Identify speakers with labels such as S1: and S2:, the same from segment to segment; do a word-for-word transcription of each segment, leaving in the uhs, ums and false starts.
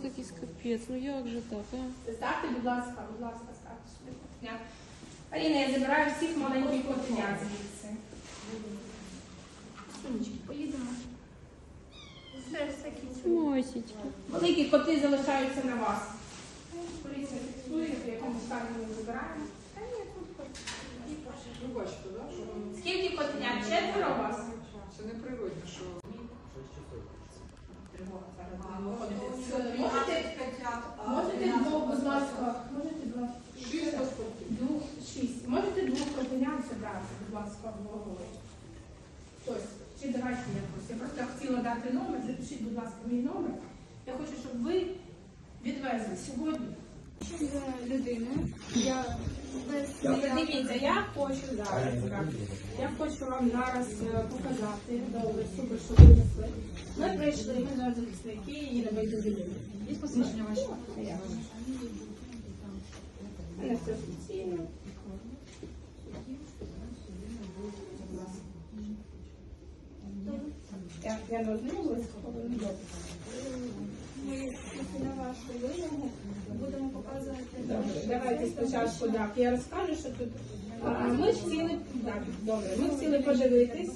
S1: народ якийсь капець, ну як же так, а?
S2: Ставте, будь ласка, будь ласка, ставте сюди котеня. Аліна, я забираю всіх маленьких котенят звідси. Сумочки, поїдемо. Все, все кінчу.
S1: Мосічки.
S2: Великі коти залишаються на вас. Поліція фіксує, в якому стані ми забираємо. Та ні, тут коти.
S3: Ви бачите, да, що воно-
S2: Скільки котенят? Четверо у вас?
S3: це не природно, що
S2: Можете двох, будь ласка, можете двох.
S3: шість паспортів.
S2: Двох, шість. Можете двох котенят забрати, будь ласка, в голову. Хтось. Чи давайте якось. Я просто хотіла дати номер. Запишіть, будь ласка, мій номер. Я хочу, щоб ви відвезли сьогодні.
S4: Людина. Я без
S2: Добре, дивіться, я хочу зараз. так. Я хочу вам зараз е, показати. Добре, супер, що ви внесли. Ми прийшли, ми зараз захисники і не вийти з людини.
S4: Є посвідчення ваше?
S2: У мене все офіційно. Я, я не ознайомилась, але не добре.
S4: Ми на вашу вимогу будемо показувати.
S2: Добре, давайте спочатку, так, я розкажу, що тут. А, ми хотіли, так, добре, ми хотіли подивитись.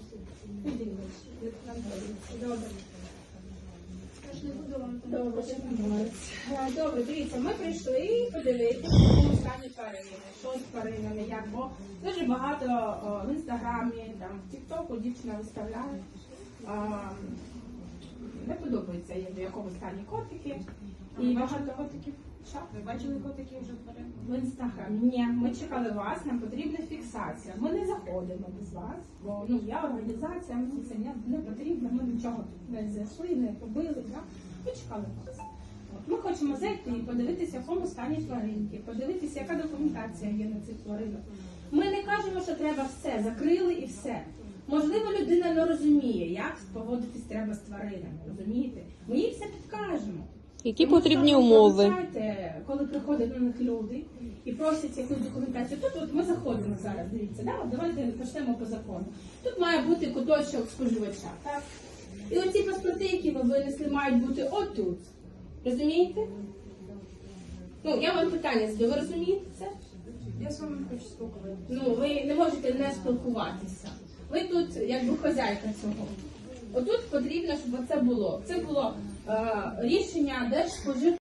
S2: Добре.
S4: Я ж не буду вам там.
S2: Добре, що там говориться. А, Добре, дивіться, ми прийшли подивитися, в якому стані тварини, що з тваринами, як, бо дуже багато о, в інстаграмі, там, в тіктоку дівчина виставляє. А, не подобається, як в якому стані котики. І багато котиків. Що?
S4: Ви бачили котиків вже тварин?
S2: В інстаграмі. Ні, ми чекали вас, нам потрібна фіксація. Ми не заходимо без вас, бо ну, я організація, мені це не, не потрібно, ми нічого тут не зайшли, не побили. Да? Ми чекали вас. От, ми хочемо зайти і подивитися, в якому стані тваринки, подивитися, яка документація є на цих тваринах. Ми не кажемо, що треба все, закрили і все. Можливо, людина не розуміє, як поводитись треба з тваринами, розумієте? Ми їй все підкажемо.
S1: Які
S2: Тому
S1: потрібні
S2: що,
S1: умови?
S2: пам'ятаєте, коли приходять на них люди і просять якусь документацію, тут от ми заходимо зараз, дивіться, да? От давайте почнемо по закону. Тут має бути куточок споживача, так? І оці паспорти, які ви винесли, мають бути отут. Розумієте? Ну, я вам питання задаю, ви розумієте це?
S4: Я з вами хочу спілкуватися.
S2: Ну, ви не можете не спілкуватися. Ви тут, якби хазяйка цього. Отут потрібно, щоб це було. Це було е, рішення Держспожив.